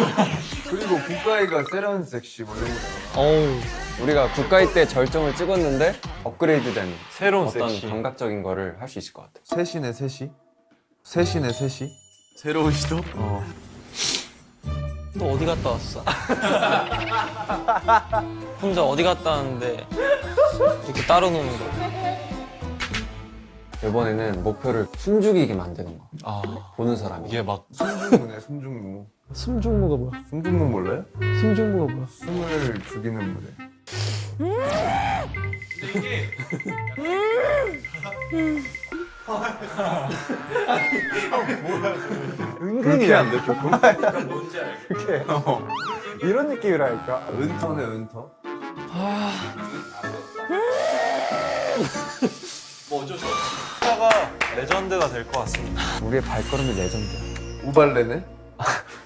그리고 국가이가 세련 섹시 원래. 어우. 우리가 국가이 때 절정을 찍었는데 업그레이드된 새로운 어떤 섹시. 감각적인 거를 할 수 있을 것 같아. 셋이네 셋이. 셋이네 셋이. 새로운 시도? 또 어디 갔다 왔어? 혼자 어디 갔다 왔는데 이렇게 따로 노는 거. 이번에는 목표를 숨죽이게 만드는 거. 아 보는 사람이. 이게 막 숨중무네 숨중무. 숨중무가 뭐야? 숨중무 몰라요? 숨중무가 뭐야? 숨을 죽이는 무대. 은근히 안 돼, 조금? 이런 느낌이랄까. 은터네 은터. 가 레전드가 될 것 같습니다. 우리의 발걸음이 레전드야. 우발레네.